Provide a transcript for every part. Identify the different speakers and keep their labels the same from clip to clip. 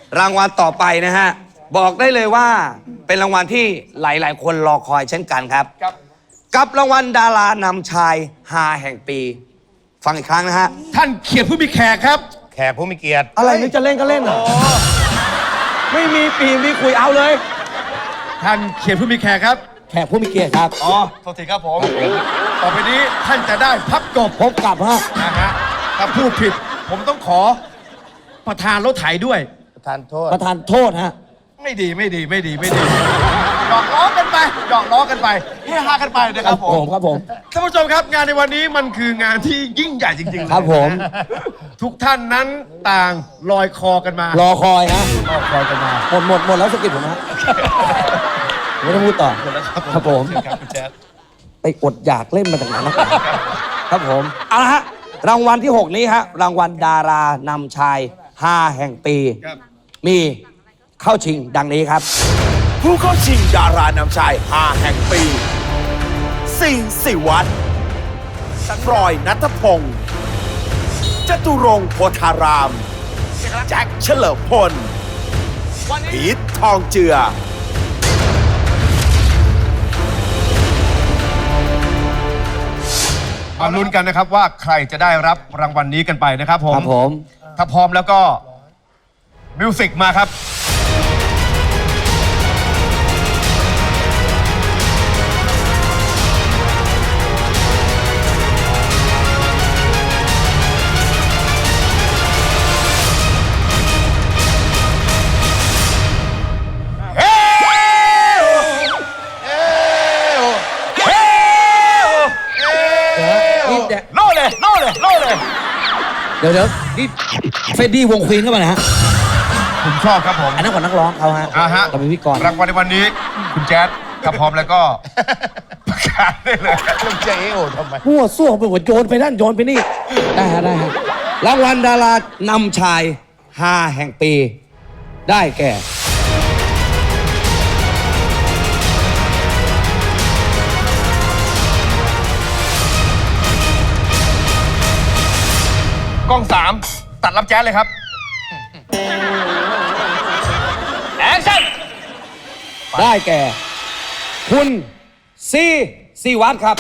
Speaker 1: รางวัลต่อไปนะฮะบอกได้เลยว่าเป็นรางวัลที่หลายๆคนรอคอยเช่นกันครับกับรางวัลดารานำชายฮาแห่งปี ฟังอีกครั้งนะฮะ
Speaker 2: ท่านเขียดผู้มีแขกครับ
Speaker 3: แขกผู้มีเกียรติ
Speaker 1: อะไรนึกจะเล่นก็เล่นเหรอไม่มีปีมีคุยเอาเลย
Speaker 2: ท่านเขียดผู้มีแขกครับ
Speaker 1: แขกผู้มีเกียรติครับ
Speaker 2: อ๋อโทษทีครับผม ต่อไปนี้ท่านจะได้พับกบ
Speaker 1: พบกับฮะ
Speaker 2: นะฮะถ้าพูดผิด ผมต้องขอประธานรถไถด้วย
Speaker 3: ประธานโทษ
Speaker 1: ประธานโทษฮะ
Speaker 2: ไม่ดีหยอกล้อกันไปเฮฮากันไปนะครับผม
Speaker 1: ครับผม
Speaker 2: ท่านผู้ชมครับงานในวันนี้มันคืองานที่ยิ่งใหญ่จริงๆเลย
Speaker 1: ครับผม
Speaker 2: ทุกท่านนั้นต่างลอยคอกันมาร
Speaker 1: อคอยฮะ
Speaker 2: ลอยคอกันมา
Speaker 1: หมดแล้วสกิปผมฮะไม่ต้องพูดต่อครับผม
Speaker 2: ครับคุณแจ๊ด
Speaker 1: ไปอดอยากเล่นมาจากไหนนะครับผมเอาละฮะรางวัลที่ 6 นี้ฮะรางวัลดารานำชาย5แห่งปี
Speaker 2: ครับ
Speaker 1: มีเข้าชิงดังนี้ครับ
Speaker 4: ผู้เข้าชิงดารานำชาย5แห่งปีสิงห์สิวัฒน์ฟรอยณัฐพงศ์จตุรงค์โพธาราม แจ็คเฉลิมพลพีททองเจือ
Speaker 2: มาลุ้นกันนะครับว่าใครจะได้รับรางวัลนี้กันไปนะครับผม
Speaker 1: ครับผม
Speaker 2: ถ้าพร้อมแล้วก็มิวสิกมาครับ
Speaker 1: นี่เดี๋ยว
Speaker 2: โล่เลย
Speaker 1: เดี๋ยวนี่เฟรดดี้วงควีนเข้ามานะฮะ
Speaker 2: ผมชอบครับผม
Speaker 1: อันนั้นของนักร้องเขาฮะ
Speaker 2: ฮะ
Speaker 1: เราเป็นพิธีกร
Speaker 2: รางวัลในวันนี้ คุณแจ๊ดถ้าพร้อมแล้วก็ประกาศได้เลย
Speaker 3: ต้องเจ๊โอ้ทำไม
Speaker 1: มั่วซั่วไปหมดโยนไปนั่นโยนไปนี่ ได้ฮะได้ฮะรางวัลดารานำชาย5แห่งปี ได้แก่
Speaker 2: กล้อง3ตัดรับแจ๊ดเลยครับแอคชั่น
Speaker 1: ได้แก่ คุณซีวัตครับ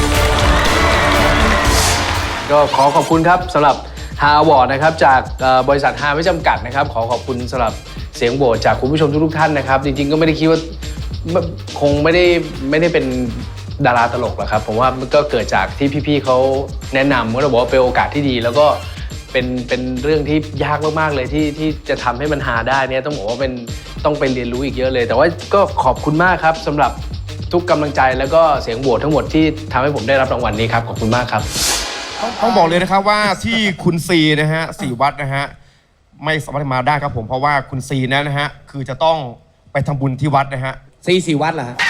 Speaker 5: ก็ขอขอบคุณครับสำหรับฮาอวอร์ดนะครับจากบริษัทฮาไม่จำกัดนะครับขอขอบคุณสำหรับเสียงโหวตจากคุณผู้ชมทุกๆท่านนะครับจริงๆก็ไม่ได้คิดว่าคงไม่ได้เป็นดาราตลกหรอกครับผมว่ามันก็เกิดจากที่พี่ๆเขาแนะนำก็เราบอกว่าเป็นโอกาสที่ดี แล้วก็เป็นเรื่องที่ยากมากๆเลยที่จะทำให้มันฮาได้เนี่ยต้องบอกว่าต้องไปเรียนรู้อีกเยอะเลย แต่ว่าก็ขอบคุณมากครับสำหรับทุกกำลังใจแล้วก็เสียงโหวตทั้งหมดที่ทำให้ผมได้รับรางวัลนี้ครับขอบคุณมากครับ
Speaker 2: ต้องบอกเลยนะครับว่าที่คุณซีนะฮะสีวัดนะฮะไม่สามารถมาได้ครับผมเพราะว่าคุณซีนั้นนะฮะคือจะต้องไปทำบุญที่วัดนะฮะ
Speaker 1: ซีวัตเหรอฮะ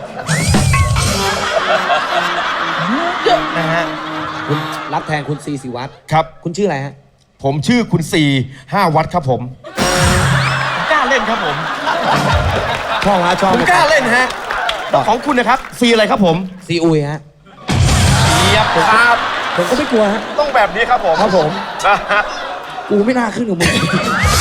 Speaker 2: นะฮะ
Speaker 1: คุณรับแทนคุณซีวัต
Speaker 2: ครับ
Speaker 1: คุณชื่ออะไรฮะ
Speaker 2: ผมชื่อคุณซี5 วัดครับผมกล้าเล่นครับผม
Speaker 1: ชอบฮะชอบ
Speaker 2: ผมกล้าเล่นฮะของคุณนะครับซีอะไรครับผม
Speaker 1: ซีอุยฮะ
Speaker 2: เยียบครับ
Speaker 1: ผมก็ไม่กลัวฮะ
Speaker 2: ต้องแบบนี้ครับผม
Speaker 1: ครับผม
Speaker 2: นะฮะ
Speaker 1: กูไม่น่าขึ้นกับมึง